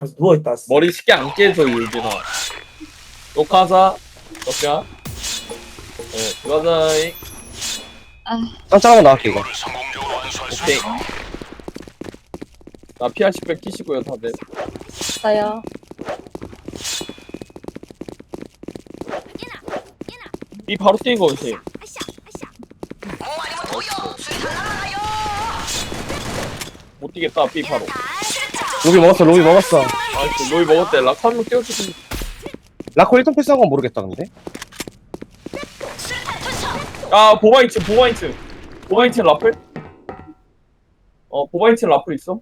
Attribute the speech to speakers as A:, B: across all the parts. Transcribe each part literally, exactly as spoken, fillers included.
A: 누워있다.
B: 머리 쉽게 안 깨져 유진아. 녹화하자. 녹화. 네, 들어가자.
C: 짱짱하고 나갈게 이거.
B: 오케이. 나 피알십 백 끼시고요 다들.
D: 나요.
B: 이 바로 뛰는 거 오시. 못 뛰겠다 B 바로.
C: 로비 먹었어 로비 먹었어.
B: 아이씨 로이 먹었대. 락 한 명 띄워주고.
C: 라코 일 톤 패스한 건 모르겠다 근데.
B: 아 보바이츠 보바이츠 보바이츠 라플? 어 보바이츠 라플 있어?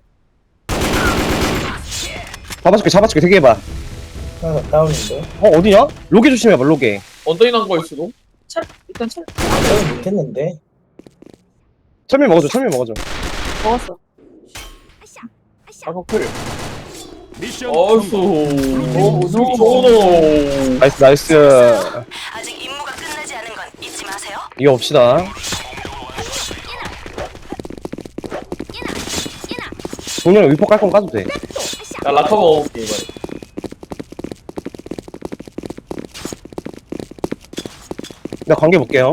C: 잡아줄게 잡아줄게 되게 해봐.
A: 하나 다운인데.
C: 어 어디냐? 로게 조심해봐 로게.
B: 언더인 한 거일 수도?
D: 철 일단 철
A: 다운 못했는데.
C: 철미 먹어줘 철미 먹어줘.
D: 먹었어.
B: 아까 클.
E: 미션
B: 어이수.
D: 오, 노.
B: 소노.
C: 나이스 나이스.
F: 아직 임무가 끝나지 않은 건 잊지 마세요.
C: 이거 봅시다. 동료는 위포 깔 건 까도 돼.
B: 나 라카 먹어볼게 이번에.
C: 내가 관계 볼게요.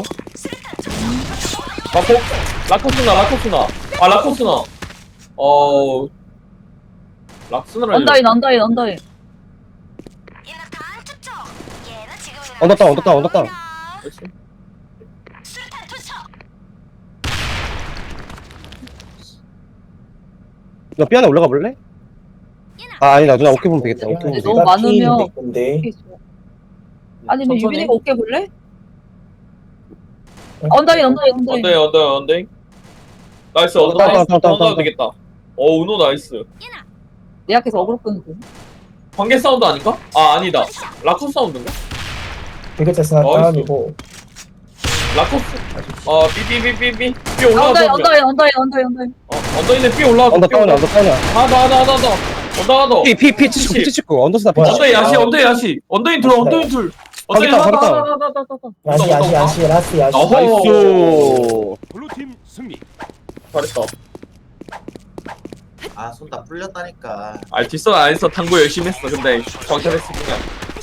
B: 라코? 라코스나 라코스나. 아 라코스나. 어. 락스나라.
D: 언더인 언더인 언더인.
C: 언더다운 언더다운 언더다운. 너 삐 안에 올라가 볼래? 아 아니다 누나 오케이 보면 되겠다. 오케이 보면
D: 근데
C: 되겠다.
D: 너무 많으면
A: 근데
D: 아니면
B: 천천히.
D: 유빈이가 어깨 볼래? 언더인 언더인 언더인.
B: 언더인 언더인 언더인. 나이스 언더
C: 다운,
B: 나이스.
C: 다운, 다운,
B: 언더
C: 다운.
B: 되겠다. 어 은호 나이스.
D: 내 앞에서 어그로 끄는 거.
B: 관계 사운드 아닌가? 아 아니다. 라코 사운드인가?
A: 비그체스 하나
B: 나이스.
A: 다운이고.
B: 라코스. 어 삐삐삐삐삐. 삐
D: 언더인
B: 올라가자.
D: 언더인 언더인 언더인 언더인.
B: 어 언더인에 삐 올라가자.
C: 언더 다운이야 언더 다운이야.
B: 하나 하나 하나 하나. 언더 하나 더.
C: 피피 칠십구 피 칠십구 언더스나 피
A: 뭐야?
C: 칠십구.
B: 언더인 야시 언더인 야시. 언더인 둘 언더인 둘. 언더인
C: 가겠다,
B: 하나
C: 가겠다.
B: 하나 하나 하나 하나.
A: 야시 야시 야시 라스 야시.
B: 어허.
C: 나이스.
E: 블루팀 승리.
B: 잘했다.
G: 아, 손 다 풀렸다니까.
B: 아 뒷선 안 했어. 당구 열심히 했어. 근데 광탈했어 그냥.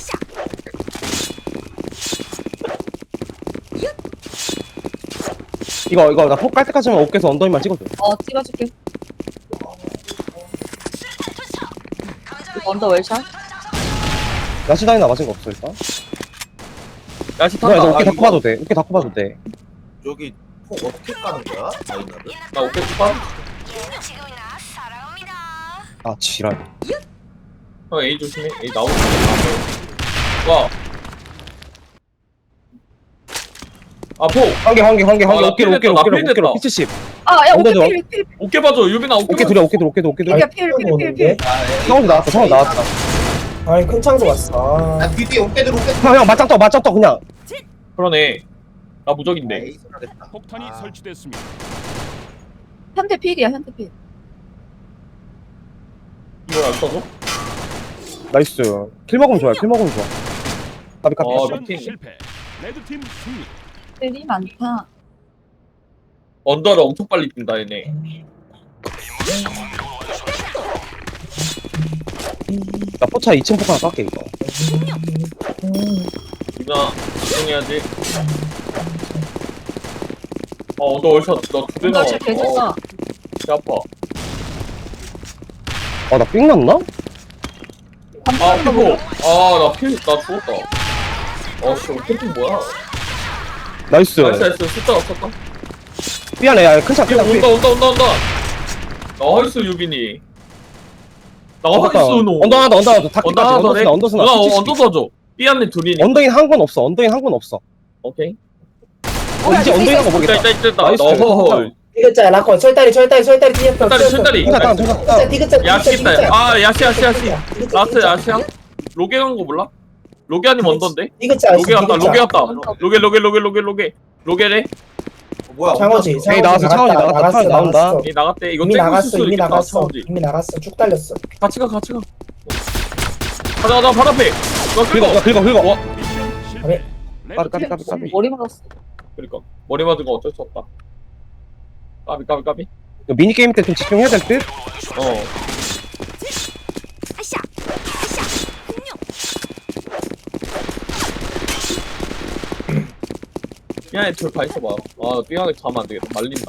C: 이거 이거 나 폭 깔 때까지만 어깨에서 언더인만 찍어줘.
D: 어 찍어줄게. 언더 웰샷.
C: 야시 다이나 맞은 거 없어 일단.
B: 야시
C: 누나
B: 탄다.
C: 이제 어깨
B: 아,
C: 다 커봐도 돼. 어깨 다 커봐도 돼.
G: 여기 폭 어떻게 까는 거야? 마이너를?
B: 나 어깨 빠.
F: 지금이나 사랑합니다.
C: 아 지랄.
B: 형 A 조심해. A 나오는 거. 와. 아 포.
C: 환기 환기 환기 환기
B: 아, 나
C: 어깨로
B: 필
C: 어깨로
B: 됐다,
C: 어깨로
B: 나 필
C: 어깨로
B: 됐다.
C: 피 칠십.
D: 아야 어깨
C: 언더도
D: 필 필.
B: 어깨 봐줘. 유빈아 어깨.
C: 어깨
B: 봐줘.
C: 둘이야 어깨 둘 어깨 둘 어깨 둘.
D: 필이야 필 필 필 필.
C: 상황도 나왔다 상황 나왔다.
A: 아니 큰 창도 왔어.
G: 아,
A: 아,
G: 뒤뒤 어깨 들어, 어깨 들어.
C: 형 형 맞짱 떠 맞짱 떠 그냥.
B: 그러네. 나 무적인데.
G: 에이, 손하겠다.
E: 폭탄이
G: 아,
E: 설치됐습니다.
D: 현대 필이야 현대 필.
B: 이걸 안 써줘?
C: 나이스. 킬 먹으면 좋아 킬 먹으면 좋아. 까비 까비.
B: 어,
E: 미션
B: 루틴.
E: 실패. 레드팀 승리.
D: 필이 많다.
B: 언더를 엄청 빨리 뛴다 얘네.
C: 나 포차 이 층 포카 하나 깎게 이거.
B: 유빈아 집중해야지. 어 언더 월샷 너두대 나와.
D: 언더 칠 개좋다.
B: 배 아파.
C: 아나삥 났나?
B: 아 피고. 아나피나 죽었다. 어씨 어떻게 뭐야?
C: 나이스.
B: 나이스 나이스 숫자 없었다.
C: 미안해 야큰창
B: 삐
C: 큰창 삐.
B: 온다 온다 온다 온다. 나이스 유빈이. 나이스 노.
C: 언더 하나 더 언더 하나 더 다키까지
B: 언더 하나 더 해.
C: 언더스나 언더스나.
B: 누나
C: 피 칠십.
B: 언더 써줘. 삐 안에 둘이니.
C: 언더인 한 건 없어 언더인 한 건 없어.
B: 오케이.
C: 어, 이제 언더인 한거
B: 있다
C: 모르겠다.
B: 있다 있다.
C: 나이스.
B: 어허.
A: 디귿자 라코 철다리 철다리 철다리 뒤에
B: 철다리, 철다리.
C: 천사 다운 천사 다운.
A: 디귿자
B: 야시 있다. 아 야시 야시 야시. 라스트 야시야? 로게 간 거 몰라? 로게 아니면 언더인데?
A: 디귿자
B: 로게 갔다 로게 갔다. 로게 로게 로게 로게 로게. 로게래?
G: 어, 뭐야?
A: 창호지.
C: 에이, 나왔어, 창호지 나갔다, 창호지 나온다.
B: 이 나갔대. 이거
A: 이미
B: 땡길
A: 나갔어
B: 수도
A: 이미
B: 있겠다.
A: 나갔어
B: 차오지.
A: 이미 나갔어 쭉 달렸어.
B: 같이 가 같이 가. 가자 가자 바로 앞에. 너
C: 긁어
B: 끌고.
C: 긁어 긁어.
B: 와.
E: 미션 실패.
A: 아니.
C: 까비 까비
E: 레드팀
C: 까비
E: 승리.
C: 까비.
D: 머리 맞았어.
B: 그러니까 머리 맞은 거 어쩔 수 없다. 까비 까비 까비.
C: 미니 게임 때 좀 집중해야 될 듯.
B: 어. 삐안에 둘다 있어봐. 아 삐안에 가면 안 되겠다. 말린다.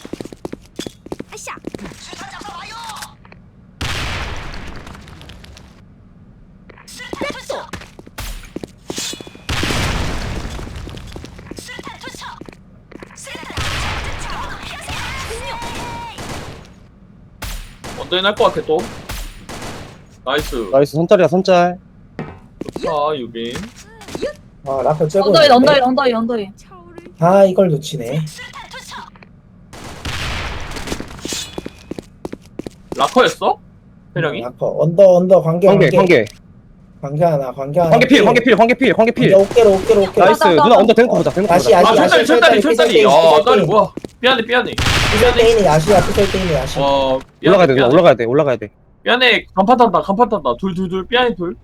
B: 언제 날것 같아 또? 나이스.
C: 나이스 선짤이야 선짤.
B: 좋다 유빈.
A: 아 라커 째고
D: 언더인
A: 있는데?
D: 언더인 언더인 언더인.
A: 아 이걸 놓치네.
B: 라커였어? 회령이?
A: 라커 언더 언더 관계
C: 관계
A: 관계
C: 관계
A: 관계 하나 관계 하나.
C: 관계 필 관계 필 관계 필 관계 필.
A: 어깨로 어깨로 어깨로.
C: 나이스 누나 언더 대놓고 보자 대놓고
A: 다시
C: 보자.
A: 야시
B: 아
A: 야시
B: 철다리 철다리 철다리. 아 딸이 뭐야? 삐안에 삐안에.
A: 피설테인이 야시야 피설테인이 야시.
B: 어
C: 올라가야 돼 누나 올라가야 돼 올라가야 돼.
B: 삐안에 간판 탄다 간판 탄다. 둘 둘 둘 삐안에 둘.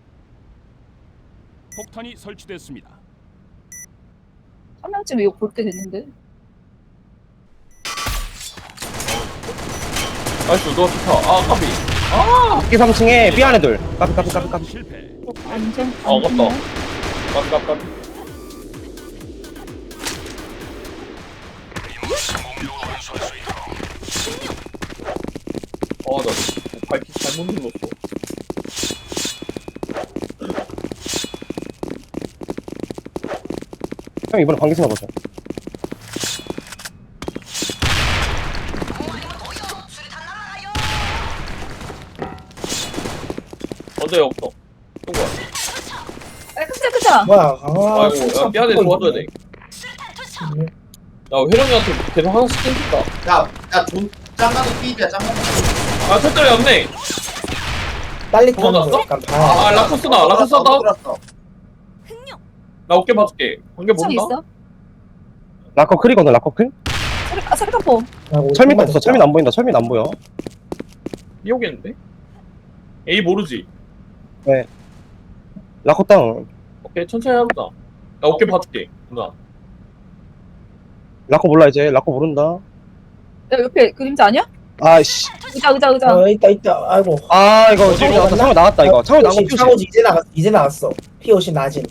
E: 폭탄이 설치됐습니다.
D: 한 명쯤 이거 볼 때 됐는데.
B: 나이스 너 좋다. 아 까비. 아
C: 이 삼 층에 B 안에 둘. 까비 까비 까비 까비.
E: 실패.
D: 안전.
B: 아, 아깝다. 까비 까비 까비. 아나 발키 잘못 눌렀어.
C: 형 이번에 관계 생각 보자.
B: 언제 없어. 누구야?
D: 아 그자 그자.
A: 뭐야? 아,
B: 아이고
A: 진짜
B: 야 삐안에
A: 붙어
B: 도와줘야
A: 있네.
B: 돼. 야 회령이한테 계속 하나씩 땡긴다.
G: 야야존 짱가도 삐비야 짱가도.
B: 아 철저히 없네.
A: 빨리
B: 도망갔어?
A: 타면 약간
B: 아
A: 봐.
B: 라코스나 라코스나
G: 들었어.
B: 나 어깨 봐줄게. 관계
D: 참
B: 모른다.
D: 있어?
C: 라커 클이거든 라커 클.
D: 소리 아 소리 깜포.
C: 철민 없어 철민 안 보인다 철민 안 보여.
B: 이 오겠는데? A 모르지.
C: 라커 다운.
B: 오케이 천천히 해보자. 나 어깨 봐줄게 누나.
C: 라커 몰라 이제 라커 모른다.
D: 야 옆에 그림자 아니야?
C: 아씨.
D: 의자 의자 의자.
A: 어 있다 있다. 아이고.
C: 아 이거
A: 어,
C: 창호
A: 창호
C: 나왔다
A: 갔나?
C: 창호 나왔다 이거 창호 나온 거
A: 피오시,
C: 피우시.
A: 창호지 이제 나갔 이제 나갔어. 피오시 낮은.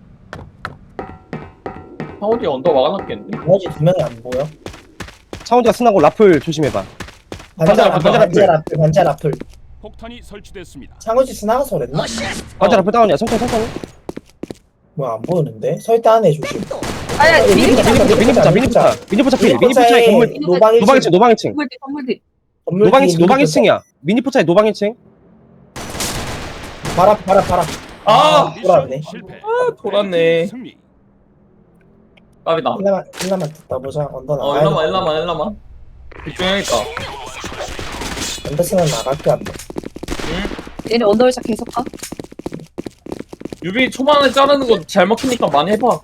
B: 상호디 언더 막아놨겠는데?
A: 나머지 두 명이 안 보여.
C: 창호지가 스나고 라플 조심해봐.
A: 반자
B: 반자,
A: 라플 반자 라플 반자 라플.
E: 폭탄이 설치됐습니다.
A: 창호지 스나가서 그랬나?
C: 반자 라플 다운이야 천천히 천천히.
A: 뭐야 안 보이는데? 설대 안에 조심.
D: 아야
A: 미니
D: 미니
A: 붙자,
D: 건물
A: 미니
C: 미니
A: 붙자,
C: 미니 붙자 미니 붙자 미니 붙자 필 미니
A: 포차에
C: 붙자에 건물
A: 노방
C: 노방 일 층 노방 일 층
D: 건물 뒤 건물 뒤.
A: 건물
C: 노방 일
A: 뒤에
C: 층 노방
A: 미니
C: 일 층이야. 미니 붙자에 노방 일 층.
A: 붙자. 봐라 봐라 봐라.
B: 아!
A: 돌았네.
E: 실패.
B: 아 돌았네.
E: 승리.
B: 까비다.
A: 일라만 일라만 듣다 보자. 언더
B: 어
A: 나가.
B: 일라만 일라만 일라만. 집중해야겠다.
A: 언더 쓰면 나갈게 안 돼.
D: 얘네 언더를 샷 계속 가.
B: 유빈이 초반에 자르는 거 잘 먹히니까 많이 해봐.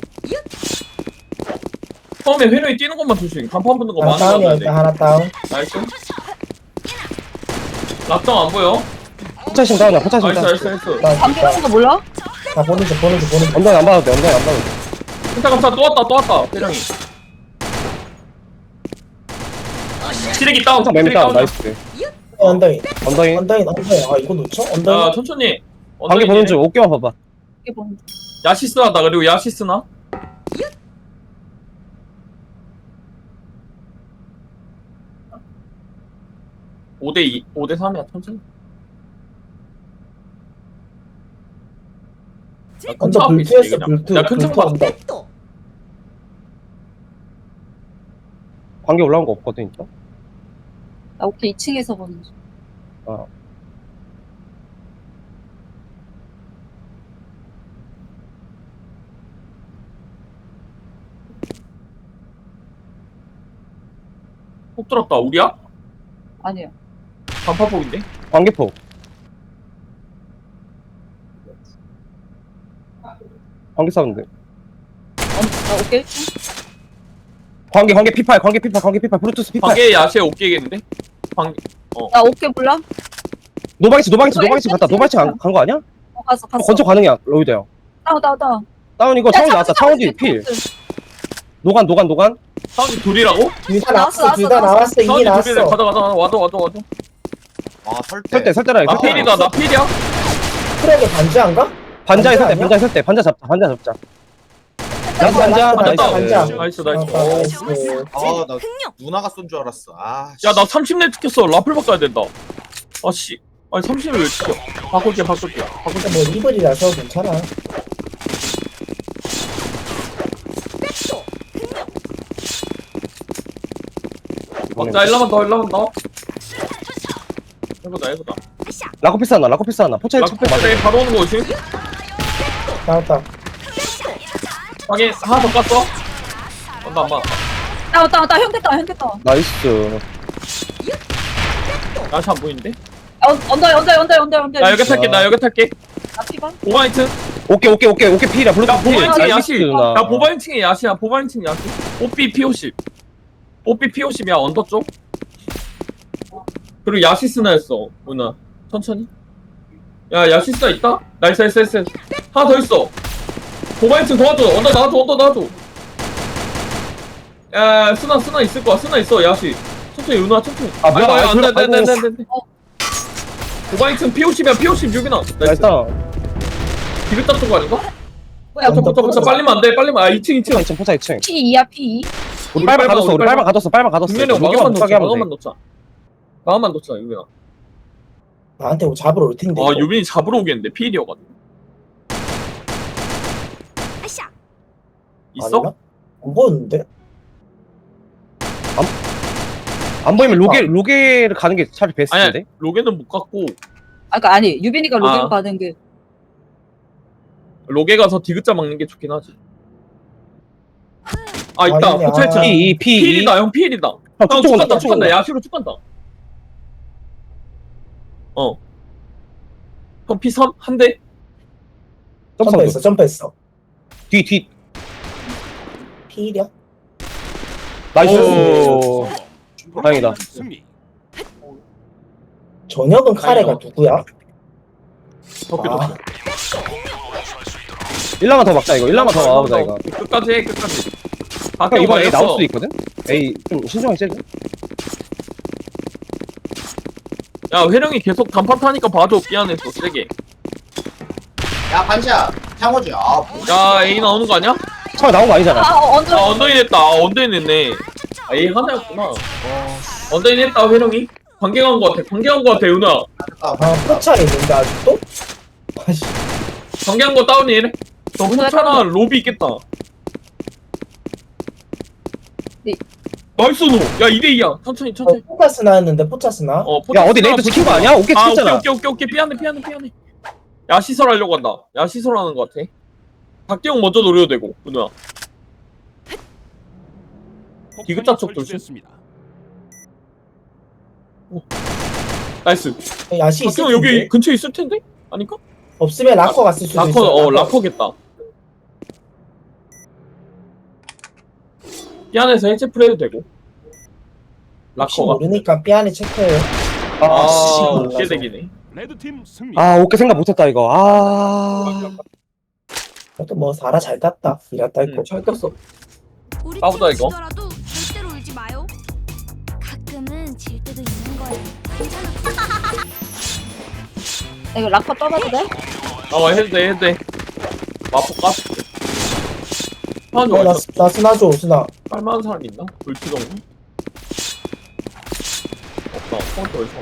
B: 처음에 회룡이 뛰는 것만 조심. 간판 붙는 거
A: 하나
B: 많이
A: 다운이야
B: 잡아야
A: 일단
B: 돼.
A: 하나 다운.
B: 나이스. 락정 안 보여?
C: 포차심 다운이야 포차심
B: 나이스
C: 다운.
B: 나이스 나이스.
A: 다운.
D: 감기 하는 거 몰라?
A: 다 보는 중 보는 중 보는 중.
C: 언더는 안 봐도 돼 언더는 안 봐도 돼.
B: 감사 감사 또 왔다 또 왔다 회룡이. 시래기 다운.
C: 포차 맴
B: 시래기
C: 다운
B: 다운이야.
C: 나이스.
A: 언더인
C: 언더인.
A: 언더인 언더인. 아 이거 놓쳐?
B: 야
A: 언더인.
B: 천천히.
C: 관계 보는 중 어깨만 봐봐.
D: 이게 뭐?
B: 야시스 한다. 그리고 야시스나. 오 대 이, 오 대 삼이야 천천히. 야, 근처
A: 언더
B: 앞에 있지,
A: 불투였어
B: 그냥.
A: 불투.
B: 야 근처
A: 불투
B: 봐.
A: 언더.
C: 관계 올라온 거 없거든 진짜.
D: 나 오케이 이 층에서 보는 중.
B: 폭 들었다. 우리야?
D: 아니야.
B: 반파폭인데?
C: 관계폭. 관계 사운드.
D: 언, 나 오케이 일 층.
C: 관계 관계 피팔 관계 피팔 관계 피팔 브루투스 피팔.
B: 관계 야시에 오케이겠는데? 관
D: 나 오케이 몰라?
C: 노방이치 노방이치 노방이치 갔다 노방이치 간 거 아니야?
D: 어 갔어 갔어.
C: 건조 가능이야 로이드 형.
D: 다운 다운 다운.
C: 다운 이거 창호지 나왔다 창호지 필. 노간 노간 노간.
B: 사운드 둘이라고?
A: 둘다
D: 나왔어,
A: 나왔어 둘 다
D: 나왔어.
A: 나왔어 이미
B: 사운드
A: 나왔어.
B: 둘이래. 가자 가자 가자. 와줘 와줘 와줘.
G: 아 설대.
C: 설대 설대라
B: 나
C: 설대.
B: 필이다. 나 필이야.
A: 트랙에 반지한가?
C: 반자에
A: 반자
C: 설대
A: 아니야?
C: 반자에 설대 반자 잡자 반자 잡자. 나이스 반자
A: 나이스,
C: 나이스
A: 반자.
B: 나이스 나이스.
A: 아,
B: 어.
A: 나이스.
G: 아나 누나가 쏜 줄 알았어. 아. 씨.
B: 야 나 삼십 렙 찍혔어. 라플 바꿔야 된다. 아씨. 아니 삼십을 왜 찍혀? 바꿀게 바꿀게. 바꿀게.
A: 근데 뭐 리블이라서 괜찮아.
B: 막자 일라만 더 일라만 더. 해보자 해보자.
C: 라코피스 하나 라코피스 하나 포차이
B: 라플 패스에 바로 오는 거 오시.
A: 나왔다.
B: 확인 하나 더 깠어. 온다 안 맞았다.
D: 나왔다 나왔다 형 됐다 형 됐다.
C: 나이스
B: 야시 안 보이는데?
D: 아, 언- 언더 언더 언더 언더 언더.
B: 나 여기 탈게 나 여기 탈게.
D: 나 피반.
B: 보바이트.
C: 오케이 오케이 오케이 오케이 필이야 블루
B: 야 보바이트
C: 나이스
B: 야시.
C: 누나
B: 야 보바이팅이 야시야 보바이팅 야시. 오삐 피오십. 오삐 피오십이야 언더 쪽. 그리고 야시스나였어 누나. 천천히. 야 야시스나 있다? 나이스 나이스 나이스. 하나 더 있어. 보바이팅 도와줘. 언더 나와줘 언더 나와줘. 야 스나 스나 있을 거야 스나 있어 야시. 천천히 누나 천천히.
C: 아, 뭐야,
B: 아이고,
C: 아이고,
B: 안돼 안돼
C: 아이고.
B: 안돼 안돼. 보바이팅 피오십이야 피오십 유빈아.
C: 나이스
B: 디귿 잡던 거 아닌가?
D: 뭐야?
B: 붙어 붙어 붙어 빨리면 안돼 빨리면 아 이 층 이 층.
C: 이 층 포차 이 층
D: P 이야 P 이.
C: 우리 빨방 가뒀어 우리 빨방 가뒀어 빨방 가뒀어
B: 분명히
C: 여기만
B: 마감만
C: 못
B: 놓자
C: 가게 하면
B: 마감만
C: 돼
B: 놓자. 마감만 놓자 유빈아.
A: 나한테 뭐 잡으러 올 텐데.
B: 아
A: 이거.
B: 유빈이 잡으러 오겠는데 피일이어가지고. 있어?
A: 아니나? 안 보였는데?
C: 안 보이면 로게 로게를 가는 게 차라리 베스트인데
B: 아니야 로게는 못 갔고
D: 아 그러니까 아니 유빈이가 로게로
B: 아.
D: 가는 게.
B: 로게 가서 디귿자 막는 게 좋긴 하지. 아 있다
A: 아니야.
B: 포차이트.
C: P 이 P 이
B: 피일이다 형 피일이다.
C: 형
B: 형
C: 쭉쭉
B: 쭉
C: 온다
B: 간다
C: 쭉
B: 쭉 간다
C: 온다
B: 야시로 쭉 간다. 어. 형 피 삼 한 대.
A: 점프했어, 점프했어.
C: 뒤뒤
A: 피일이야?
C: 나이스
B: 오.
C: 다행이다.
E: 승리.
A: 저녁은 카레가
B: 아니요.
A: 누구야?
B: 덕기
A: 아.
B: 덕기.
C: 일라만 더 막자 이거 일라만 더 막아보자 이거
B: 끝까지 해 끝까지. 아
C: 형 이번 A 나올 수도 있거든? A 좀 신중하게 째줘
B: 야 회령이 계속 단판 타니까 봐줘 미안했어 세게.
G: 야 반지야 창호지. 아 뭐.
B: 야 A 나오는 거 아니야?
C: 처음에 나온 거 아니잖아
D: 아 어, 언더.
B: 아 언더인 했다. 아 언더인 했네. 아 A 하나였구나. 언더인 했다 회령이. 관계 간 거 같아. 관계 간 거 같아 윤아.
G: 아,
A: 아, 포차에 있는데 아직도? 아씨,
B: 관계 간거 다운이래. 너
D: 오늘
B: 포차나 로비 있겠다.
D: 네.
B: 나이스 노. 야 이 대 이야. 천천히
A: 어,
B: 천천히.
A: 포차스 나왔는데 포차스 나?
B: 어,
C: 야 어디 레이드 지킨 거 아니야? 오케이
B: 아 오케이
C: 찍잖아
B: 오케이 오케이 오케이 피하네 피하네 피하네. 야 시설 하려고 한다. 야 시설 하는 거 같아. 박기용 먼저 노려도 되고 윤아. 디귿자 쪽 조심.
E: 설치됐습니다.
B: 나이스.
A: 야시 있을
B: 박기용
A: 텐데?
B: 여기 근처에 있을 텐데? 아닌가?
A: 없으면 라커 갔을 수도
B: 라커
A: 있어.
B: 어 라커겠다. 삐안에서 해체 프레이도 되고.
A: 혹시
B: 라커가.
A: 모르니까 삐안에 체크해요.
B: 아,
A: 씨,
B: 어깨
A: 몰라서.
B: 대기네.
E: 레드팀 승리.
C: 아 오케이 생각 못했다 이거 아
A: 그래도 뭐 사라 잘 땄다. 이랬다 했고.
B: 응, 잘 떴어.
H: 우리
B: 까보자,
H: 팀
B: 이거.
H: 지더라도 절대로 울지 마요. 가끔은 질 때도 있는 거예요. 괜찮아.
D: 나 이거 락커 떠봐도 돼?
B: 아, 해도 돼, 해도 돼. 마포 까스. 하는
A: 어, 나,
B: 거
A: 나 스나 줘, 스나.
B: 깔만한 사람 있나? 불치 정도? 없다. 포인트 어디서?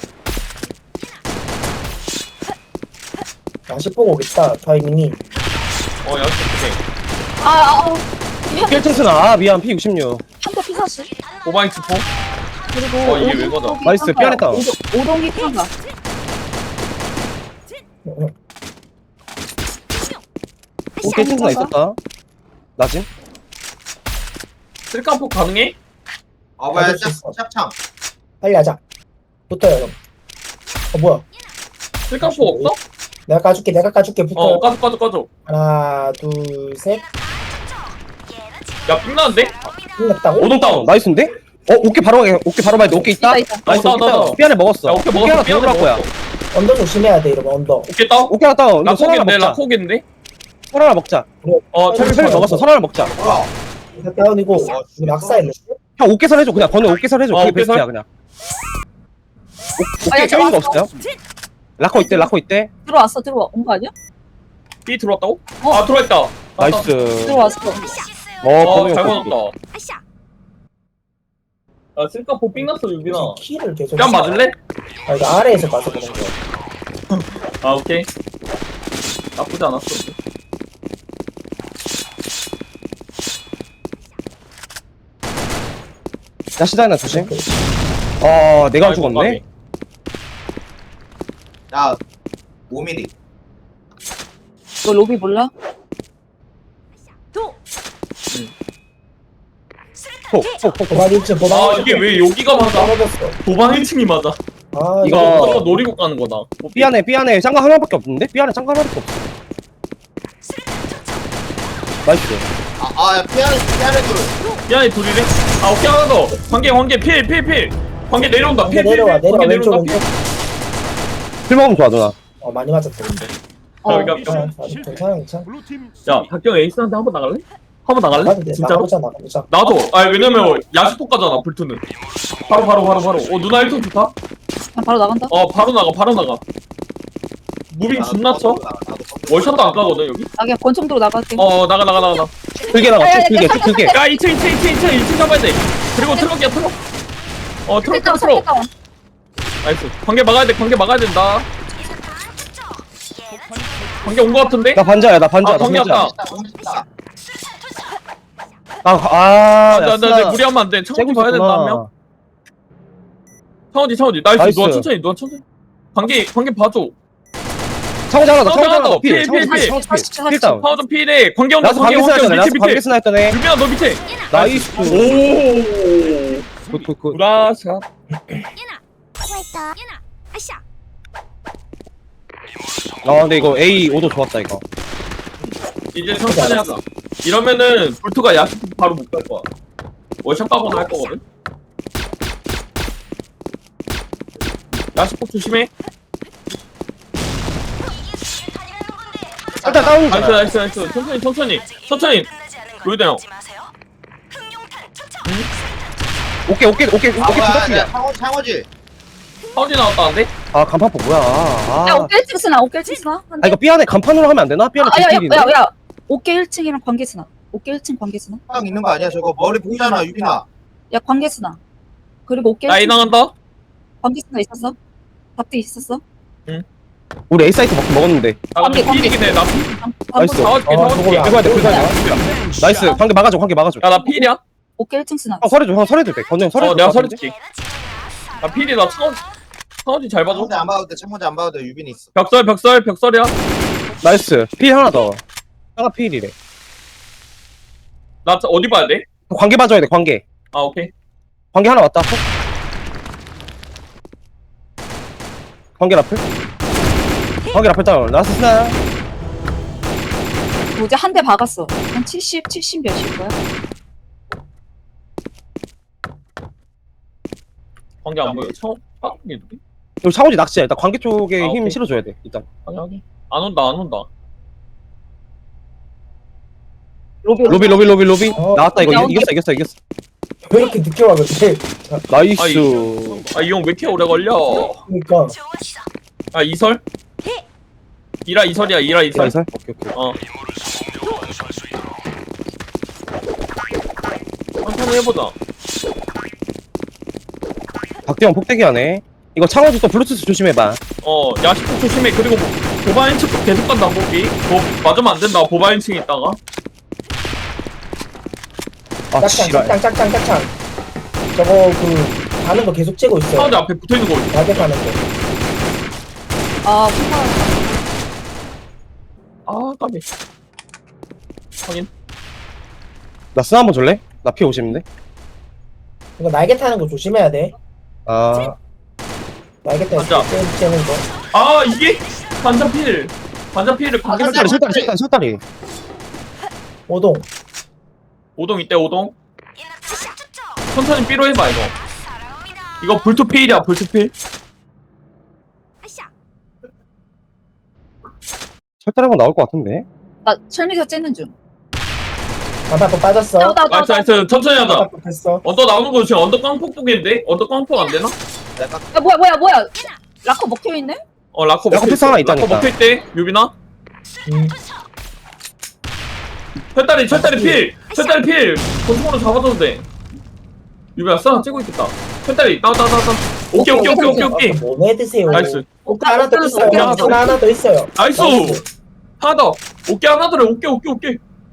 A: 야시 보고 오겠다, 타이밍이.
B: 어, 야, 오케이.
D: 아, 아, 어.
C: 일 층 쓰나 아 미안 피 육십육
D: 한대 피사스.
B: 오바이트 포?
D: 그리고
B: 어, 이게 왜 거다?
C: 나이스, 피하냈다.
D: 오동기 칸가.
C: 오케이 층 쓰나 있었다 나진
B: 쓸까포 가능해?
G: 아 뭐야
A: 받을 수 있어.
G: 짝창.
A: 빨리 하자. 붙어요, 형. 어, 뭐야.
B: 쓸까포 없어?
A: 내가 까줄게, 내가 까줄게, 붙어요.
B: 어, 까줘, 까줘, 까줘.
A: 하나, 둘, 셋.
B: 야, 빅나는데?
A: 끝났다고?
C: 오동 다운 나이스인데? 어 오케이 바로 가게 오케이 바로 봐야 돼 오케이 있다?
D: 있다, 있다.
C: 나이스
B: 어,
C: 오케이
B: 나, 나,
C: 다운 삐안에 먹었어
B: 야, 오케이,
C: 오케이
B: 먹었어.
C: 하나 더
B: 삐안에
C: 들어갈 거야
B: 먹었어.
A: 언더 조심해야 돼, 이러면 언더.
B: 오케이, 다운?
C: 오케이 하나 다운 너 설 하나
B: 라코겠네,
C: 먹자
B: 라코겠네?
C: 설 하나 먹자
B: 어,
C: 철
B: 철,
C: 철 먹었어 설 하나 먹자
G: 뭐야?
A: 이거 다운이고, 이거 낙사했는데?
C: 형 오케이설 해줘 그냥 건우 오케이설 해줘
B: 어,
C: 그게
B: 오케이설?
C: 베스트야 그냥 오,
D: 아, 야,
C: 오케이 껴있는 거 없어요?
D: 왔어.
C: 라커 있대 라커 있대
D: 들어왔어, 들어와. 온 거 아니야?
B: B 들어왔다고?
D: 어.
B: 아, 들어왔다.
C: 나이스.
D: 들어왔어.
C: 어,
B: 어,
C: 번호
B: 잘
C: 형.
B: 받았다.
H: 아샤.
B: 야, 쓸까포 삥 났어, 유빈아.
A: 키를 계속.
B: 뺨 맞을래?
A: 아, 이거 아래에서 봐서 그런 거야.
B: 아, 오케이. 나쁘지 않았어.
C: 야, 시다이나 조심. 어, 내가
B: 아이고,
C: 죽었네.
G: 야 오 밀리.
D: 너 로비 몰라?
C: 톡, 톡, 톡.
A: 도박 일 층, 도박
B: 아,
A: 일 층.
B: 이게 왜 여기가 맞아?
A: 떨어졌어.
B: 도방 일 층이 맞아.
A: 아,
C: 이거-
B: 저거 노리고 가는 거다.
C: 삐 안에, 삐 안에 짱가 하나밖에 없는데? 삐 안에 짱가 하나밖에 없어. 나이스.
G: 아아 피아노 피아노 둘.
B: 미안해, 둘이래? 아, 오케이, 하나 더. 관계, 관계, 필, 필, 필. 관계 내려온다,
A: 관계
B: 필, 필,
A: 내려와,
B: 필.
A: 내려와,
B: 관계
A: 왼쪽,
B: 내려온다, 필.
A: 왼쪽.
C: 필 먹으면 좋아, 누나.
A: 어, 많이 맞았다, 근데.
D: 어.
B: 야, 그러니까
A: 아, 아, 괜찮아, 괜찮아.
E: 블루팀
B: 야, 박경 에이스한테 한 번 나갈래? 한 번 나갈래?
A: 나가도 돼,
B: 진짜로?
A: 나가보자, 나가보자.
B: 나도. 아, 왜냐면 야수폭 가잖아, 불투는. 바로, 바로, 바로, 바로. 어, 누나 일 톤 좋다?
D: 그냥 바로 나간다.
B: 어, 바로 나가, 바로 나가. 무빙 존나 쳐? 월샷도 안 까거든, 여기?
D: 나 그냥 권총도로 나갈게.
B: 어, 나가, 나가, 나가, 나가.
C: 길게 나가, 쭉 길게, 쭉 길게.
B: 야, 이 층, 이 층, 이 층, 이 층, 이 층 잡아야 돼. 그리고 트럭이야, 트럭. 어, 트럭, 트럭, 트럭. 나이스. 관계 막아야 돼, 관계 막아야 된다. 관계 온 거 같은데?
C: 나 반자야, 나 반자야,
B: 아,
C: 나
B: 관계
C: 반자야.
B: 왔다.
C: 아, 아,
B: 안 돼,
C: 야,
B: 안 돼, 안 돼. 무리하면 안 돼. 창호지 봐야 된다, 한 명. 창호지, 창호지. 나이스.
C: 나이스.
B: 누가 천천히, 누가 천천히. 관계, 관계 봐줘.
C: 창호지 하나 더,
B: 창호지
C: 창호지 하나 더.
B: 하나
C: 필,
B: 더.
C: 창호지
B: 필, 필,
C: 필, 창호지 필. 필 다운.
B: 창호지 필에 관계 온다,
C: 나도
B: 관계
C: 관계
B: 온다.
C: 스나 했더네,
B: 밑에,
C: 나도 관계
B: 밑에.
C: 스나 했더네.
B: 유빈아, 너 밑에.
C: 나이스.
B: 오.
C: 굿, 굿, 굿.
B: 구라샷.
H: 예나. 수고했다. 예나. 아샤.
C: 아, 근데 이거 A 오도 좋았다, 이거.
B: 이제 천천히 하자. 이러면은 불투가 야식 바로 못 갈 거야. 월샷 가거나 할 거거든. 야식폭 조심해.
C: 일단 다운이잖아.
B: 나이스 나이스 나이스. 천천히 천천히 천천히. 로이드 형.
C: 오케이, 오케이, 오케이, 오케이,
G: 아 뭐야
C: 부탁드려.
G: 야, 창호지 창호지.
B: 파운이 나왔다는데?
C: 아, 간판포 뭐야. 아,
D: 야, 오케이 일 층 쓰나? 오케이 일 층 쓰나?
C: 아, 이거 삐 안에 간판으로 하면 안 되나? 삐 안에
D: 아, 야, 야,
C: 뒷길이네.
D: 야, 야. 오케이 일 층이랑 관계 쓰나? 오케이 일 층 관계 쓰나?
G: 형 있는 거 아니야 저거 머리 보이잖아 유빈아.
D: 야, 관계 쓰나? 그리고 오케이
B: 나이
D: 일 층
B: 나간다?
D: 관계 쓰나 있었어? 밥도 있었어?
C: 우리 A 사이트 먹, 먹었는데.
B: 아 근데
D: 관계,
B: 필이긴 해. 나 필.
C: 나이스.
B: 잡아줄게
A: 어,
B: 잡아줄게.
A: 저거야.
C: 긁어야 돼, 긁어야
E: 돼.
C: 나이스. 관계 막아줘, 관계 막아줘.
B: 야나 필이야?
D: 오케이 일 층 쓰나?
C: 형, 설해줘, 형, 설해도 돼. 건우 형, 설해줘.
B: 어 내가 설해줄게. 나 필이 나 차원 차원지 잘 봐줘.
G: 창호지 안 봐도 돼 창호지 안 봐도 돼 유빈이 있어.
B: 벽설 벽설 벽설이야.
C: 나이스. 필 하나 더. 하나 필이래.
B: 나 차- 어디 봐야 돼?
C: 관계 봐줘야 돼, 관계.
B: 아 오케이.
C: 관계 하나 왔다. 톡. 관계 라플. 관계 라플 다운. 나스 스나.
D: 뭐지? 한 대 박았어. 한 칠십, 칠십 몇일 거야?
B: 관계 안 보여. 차원 빠르게 누구?
C: 여기 창호지 낚시야. 일단 관계 쪽에
B: 아,
C: 힘
B: 오케이.
C: 실어줘야 돼, 일단.
B: 아니 아니. 안 온다 안 온다.
D: 로비,
C: 로비, 로비, 로비, 로비.
A: 어.
C: 나왔다, 이거.
D: 야,
C: 이- 이겼어, 이겼어, 이겼어.
A: 왜 이렇게 늦게 와, 근데?
C: 나이스.
B: 아 이 형 왜 이렇게 오래 걸려?
A: 그러니까.
B: 아 이설? 이라 이설이야 이라 이설.
C: 나이스. 오케이, 오케이.
B: 어. 천천히 해보자.
C: 박대형 폭대기 하네. 이거 창호지 또 블루투스 조심해봐.
B: 어 야식폭 조심해. 그리고 뭐 보바인 측 계속 간다 보기. 뭐 맞으면 안 된다. 보바인 층에 있다가.
C: 아,
A: 짝짱,
C: 지랄.
A: 짝짱, 짝짱, 짝짱. 저거, 그, 가는 거 계속 째고 있어.
B: 사운드 앞에 붙어 있는 거 있어.
A: 가게 가는 거.
D: 아, 혼자.
B: 아 까비. 확인.
C: 나 스나 한번 줄래? 나 피 오십인데?
A: 이거 날개 타는 거 조심해야 돼.
C: 아,
A: 날개 타는
B: 맞아.
A: 거, 째- 째는 거.
B: 아 이게 반자필. 반자필을 관계
G: 아,
C: 설다리,
B: 설정.
C: 설다리, 설다리, 설다리.
A: 오동.
B: 오동 이때 오동. 천천히 삐로 해봐 이거. 이거 불투필이야 불투필.
H: 아샤.
C: 설다리 한번 나올 것 같은데?
D: 나 철미가 째는 중.
A: 반팔포 빠졌어.
D: 나, 나, 나,
B: 나이스
D: 나.
B: 나이스 천천히 하자.
A: 반팔포 했어.
B: 언더 나오는 거 지금 언더 깡폭 보겠는데? 언더 깡폭 안 되나?
G: 내가
D: 야, 뭐야, 뭐야, 뭐야. 라커 먹혀있네?
B: 어 라커
C: 라커
B: 먹혀있어.
C: 패스 하나 있다니까.
B: 라커 먹혀있대 유빈아.
A: 음.
B: 철다리 철다리 필 철다리 필 권총으로 잡아줘도 돼. 유배야 쏴 찌고 있겠다. 철다리 나와 나와 나와. 오케이 오케이 오케이 오케이 오케이.
A: 뭐해 드세요.
B: 나이스
A: 오케이 하나 더 있어요.
B: 오케이, 하나 더.
A: 하나 하나 더 있어요.
B: 나이스. 하나 더. 오케이 하나 더래. 오케이 오케이 오케이.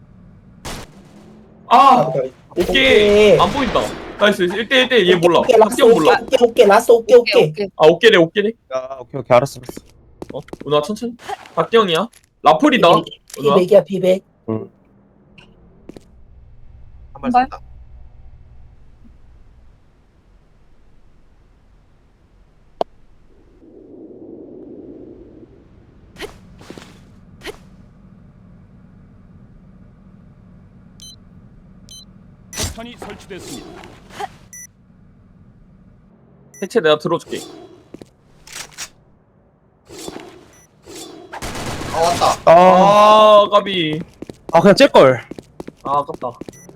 B: 아 오케이 안 보인다. 나이스 일 대 일 대 얘 몰라.
A: 오케이 라스
B: 학경 몰라.
A: 오케이 오케이 라스 오케이 오케이.
D: 오케이.
B: 아 오케이래 오케이래.
C: 야 오케이 오케이 알았어 알았어.
B: 어 누나 천천히. 박경이야. 라플이다. 누나.
A: 피백이야 피백.
G: 한발
D: 발?
G: 쏜다.
E: 폭탄이 설치됐습니다.
B: 해체 내가 들어줄게.
G: 아 왔다.
C: 아,
B: 아 까비.
C: 아 그냥 찔걸.
B: 아 아깝다.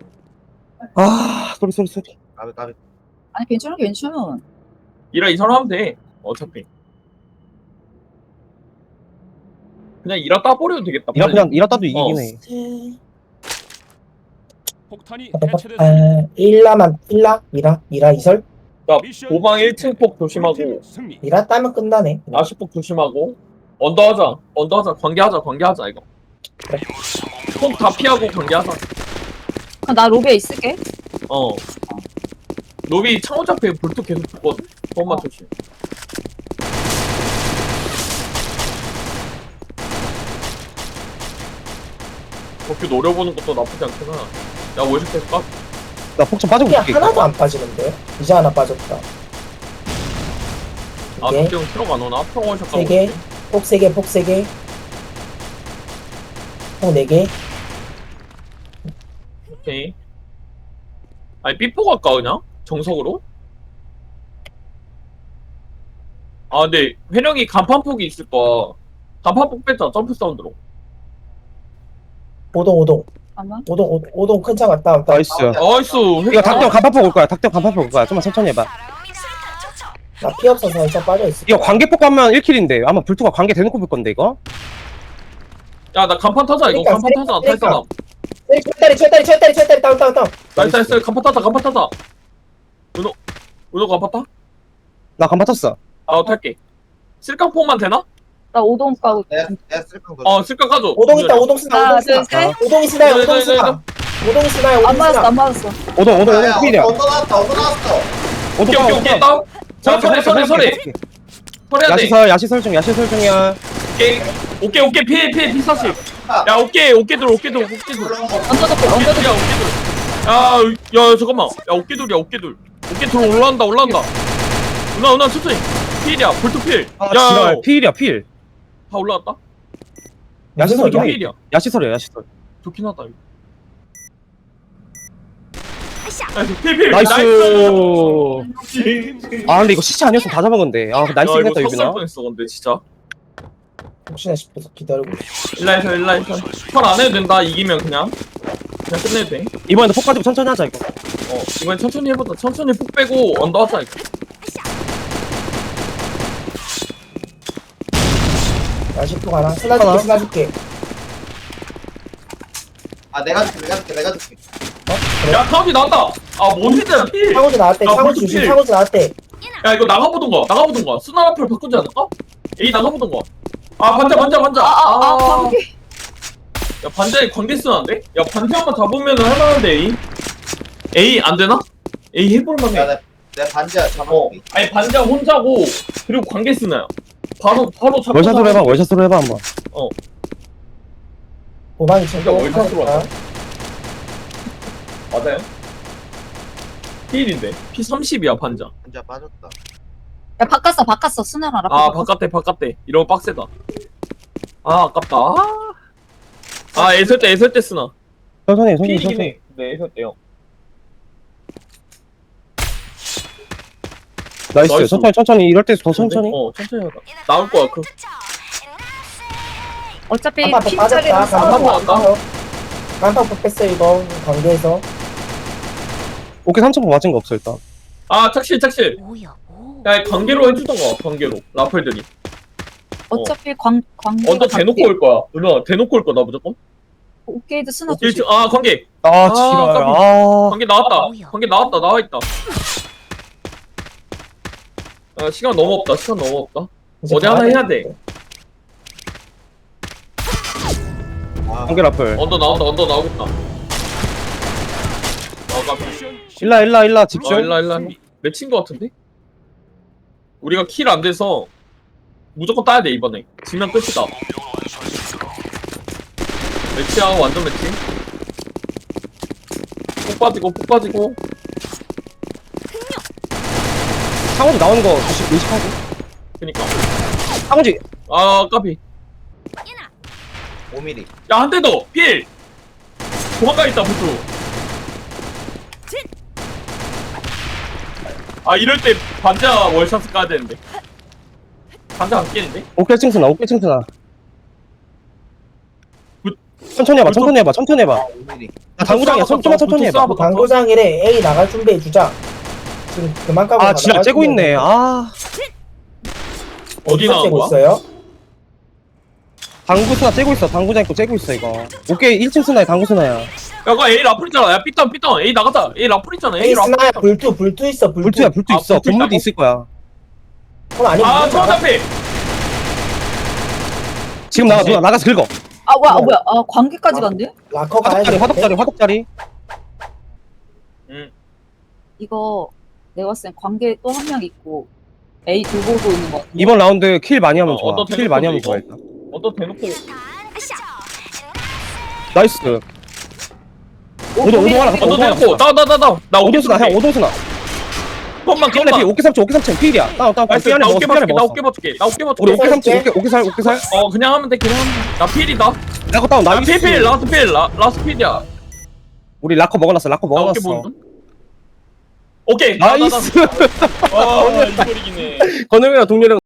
C: 아 소리 소리 소리.
G: 까비 까비.
D: 아니 괜찮아 괜찮아.
B: 이라 이사람 하면 돼. 어차피. 그냥 이라 따버려도 되겠다.
C: 이라
B: 빨리.
C: 그냥 이라따도 이기긴
B: 어.
C: 해.
E: 폭탄이
A: 아,
E: 해체됐습니다.
A: 일라만 일라 이라 이라 이설
B: 나 도방 일 층 폭 조심하고
E: 팀 승리.
A: 이라 따면 끝나네.
B: 아시 폭 조심하고 언더 하자. 언더 하자. 관계하자. 관계하자 이거.
A: 그래.
B: 폭 다 피하고 관계하자.
D: 그럼 나 로비에 있을게.
B: 어. 로비 창호 잡혀 불뚝 계속 붙거든. 그것만 조심. 그렇게 노려보는 것도 나쁘지 않구나. 야 월식 될까?
C: 나 폭탄 빠지고
A: 그냥
C: 있을게.
A: 하나도 안 빠지는데. 이제 하나 빠졌다.
B: 아
A: 네.
B: 그때 트럭 안 오나? 평 월식
A: 세 개. 폭 세 개, 폭 세 개. 폭 네 개.
B: 오케이. 아니 삐뽀 갈까 그냥? 정석으로? 아 근데 회령이 간판폭이 있을 거야. 간판폭 뺐자 점프 사운드로.
A: 오동 오동.
D: 잠깐만.
A: 오동 오동, 오동 큰 차 갔다 왔다.
C: 나이스.
B: 나이스.
C: 이거 닭대형 간판폭 올 거야. 닭대형 간판폭 올 거야. 좀만 천천히 해봐.
A: 나 피 없어서 일단 빠져 있어.
C: 이거 관계폭 가면 일 킬인데 아마 불투가 관계 대놓고 볼 건데 이거.
B: 야나 간판 타자 이거.
A: 그러니까,
B: 간판 타자. 탈 사람.
A: 철다리 철다리 철다리 철다리 다운 다운 다운.
B: 나이스 나이스. 간판 타자. 간판 타자. 은호 은호 간판 타?
C: 나 간판 탔어.
B: 아 탈게. 쓸깡폭만 되나?
D: 나 오동 가고.
G: 내가 내가 쓸까 거.
B: 어 쓸깡 가져.
A: 오동 있다 오동 쓰나
D: 하나
A: 오동 쓰나.
D: 둘 셋.
A: 오동이 쓰나요
B: 네,
A: 오동
B: 네,
A: 쓰나. 오동이 쓰나요
D: 안
A: 오동
D: 맞았어
A: 쓰나.
D: 안 맞았어.
C: 오동 오동
G: 야,
C: 오동 필이야.
G: 언더 나왔다. 언더 나왔어.
B: 오케이 오케이 오케이 다운. 자 설해 설해 설해. 설해야 돼.
C: 야시설 야시설 중 야시설 중이야.
B: 오케이 오케이 오케이 피해 피해 피 사십. 야 오케이 오케이 둘 오케이 둘 오케이 둘.
D: 언더더필 언더더필.
B: 야 어깨들. 야, 야 잠깐만. 야 어깨들이야 어깨들. 어깨들 올라간다 올라간다. 누나 누나 천천히. 필이야 볼트 필.
C: 아
B: 야,
C: 지랄 필이야 필.
B: 다 올라갔다.
C: 야시설이야.
A: 소리야?
B: 필이야.
C: 야시설이야 야시설.
B: 좋긴 하다 이거.
H: 아샤.
B: 나이스 필 필.
C: 나이스. 아 근데 이거 시체 아니었으면 다 잡아건데. 아 나이스
B: 야, 이거
C: 했다
B: 쳤을
C: 유빈아.
B: 뻔했어 근데 진짜.
A: 혹시나 싶어서 기다리고 있어.
B: 일라이서 일라이서. 펄안 해도 된다 이기면 그냥. 그냥 끝내도 돼.
C: 이번에도 폭 가지고 천천히 하자 이거.
B: 어 이번엔 천천히 해보자. 천천히 폭 빼고 언더 하자 이거.
A: 야식도 가나. 쓰나줄게
C: 하나.
A: 쓰나줄게.
G: 아 내가 줄게 내가 줄게 내가 줄게.
B: 야 카운티 나왔다. 아 뭔지야 필.
A: 창호지 나왔대.
B: 아,
A: 창호지
B: 볼트
A: 주심.
B: 필.
A: 창호지 나왔대.
B: 야 이거 나가보던가 나가보던가. 스나 앞을 바꾸지 않을까? 에이 나가보던가. 아 반자 반자 반자.
D: 아아아 관계.
B: 야 반자에 관계 쓰는데? 야 반자 한번 잡으면은 할만한데 에이? 에이 안 되나? 에이 해볼만해.
G: 야내 내 반지야
B: 어
G: 잡아볼게.
B: 아니 반자 혼자고 그리고 관계 쓰나요? 바로 바로 잡고.
C: 월샷으로 해봐 월샷으로 해봐 한번.
A: 도망이 친구.
B: 그러니까 월샷으로 하자. 맞아요? 필인데 피 삼십이야 반자.
G: 반지야 빠졌다.
D: 야 바꿨어 바꿨어 스나랑 라플.
B: 아 바깥에 바깥에 이러면 빡세다. 아 아깝다. 아, 아 애설 때 애설 때 쓰나.
C: 천천히 해, 천천히
B: 필이긴
C: 천천히.
B: 해. 네 애설 때요.
C: 나이스.
B: 나이스.
C: 천천히 천천히 이럴 때 더 천천히.
B: 어 천천히 하다. 나올 거야 그.
D: 어차피
A: 간판폭
D: 핀자리로
A: 빠졌다.
D: 싸워.
A: 간판폭 뺐어. 간판폭 뺐어 이거 관계에서.
C: 오케이 삼천 번 맞은 거 없어 일단.
B: 아 착실 착실.
H: 뭐야 뭐.
B: 야 관계로 해주던가 관계로 라플들이.
D: 어차피 광 광계.
B: 언더 대놓고 올 거야. 누나 대놓고 올 거다 무조건.
D: 오케이드 스나
B: 오케이,
D: 조심.
B: 아 관계
C: 아 지랄.
B: 깜짝이야.
C: 아.
B: 관계 나왔다. 관계 나왔다. 나와 있다. 아 시간 너무 없다. 시간 너무 없다.
A: 이제
B: 어디 하나
A: 가야
B: 해야
A: 되는데.
C: 한개 라플.
B: 언더 나온다. 언더 나오겠다. 아 깜짝.
E: 미션
C: 일라 일라 일라
B: 어
C: 집중.
B: 일라 일라 맺힌 거 같은데? 우리가 킬 안 돼서 무조건 따야 돼 이번에. 지면 끝이다. 매치하고 완전 매치. 폭 빠지고 폭 빠지고.
C: 상호지 나오는 거 조심 의식하고.
B: 그니까.
C: 상호지.
B: 아 까비.
G: 오 밀리미터.
B: 야 한 대 더. 필. 도망가 있다 부수. 아 이럴 때 반자 월샷 까야 되는데. 반자 안 깨는데?
C: 오케이 층스나 오케이 층스나.
B: 굿.
C: 천천히 해봐 천천히 해봐 천천히 해봐.
G: 오 밀리미터.
C: 아 당구장이야 천- 좀만 천천히 해봐.
B: 부
A: 당구장이래. A 나갈 준비해 주자. 지금 그만 까고.
C: 아 지랄 째고 있네. 아
B: 어디 나온 거야?
A: 있어요?
C: 당구 스나 째고 있어. 당구장 있고 째고 있어 이거. 오케이 일 층 스나야 당구 스나야.
B: 야 그거 A 라플 있잖아. 야 삐땅 삐땅 A 나가자. A 라플 있잖아. A
A: A
B: 라플.
A: 스나야 불투 불투 있어 불투.
C: 불투야 불투
B: 아,
C: 있어.
B: 불투
C: 건물도
B: 있다고?
C: 있을 거야.
A: 그럼 아니.
B: 아 처음 앞에.
C: 지금 나가 누나 나가서 긁어.
D: 아 뭐야 아 뭐야 아 관계까지 간대?
A: 라커 가야
C: 화덕자리
A: 돼.
C: 화덕자리 화덕자리.
B: 응.
D: 이거 내가 봤을 땐 관계 또 한 명 있고 A 두 보고 있는 거 같아.
C: 이번 라운드 킬 많이 하면
B: 어,
C: 좋아.
B: 어떤
C: 킬 많이 하면
B: 대놓고
C: 좋아
B: 이거?
C: 일단.
B: 어떤 대놓고.
C: 나이스. 오동 오동 하나 갔다
B: 어떤
C: 오동 하나
B: 대놓고.
C: 갔다.
B: 나나나나.
C: 오동 스나 형 오동 스나.
B: 펌만
C: 피안에 피
B: 펌만.
C: 오케이 삼층 오케이 삼층 필이야. 다운 다운
B: 나이스.
C: 피안에
B: 나
C: 먹었어
B: 어깨
C: 피안에
B: 맞출게. 나
C: 먹었어.
B: 어깨 맞출게. 나 어깨
C: 우리
B: 맞출게.
C: 오케이 삼층 오케이 오케이 살 오케이 살.
B: 어 그냥 하면 돼. 그냥 하면 돼. 나 필이다.
C: 라커 다운
B: 나
C: 나이스.
B: 필필 라스트 필 라, 라스트 필이야.
C: 우리 라커 먹어놨어 라커
B: 나 어깨
C: 먹어놨어.
B: 보는. 오케이.
C: 나이스.
B: 아 이걸 이기네.
C: 건영이랑 동료랑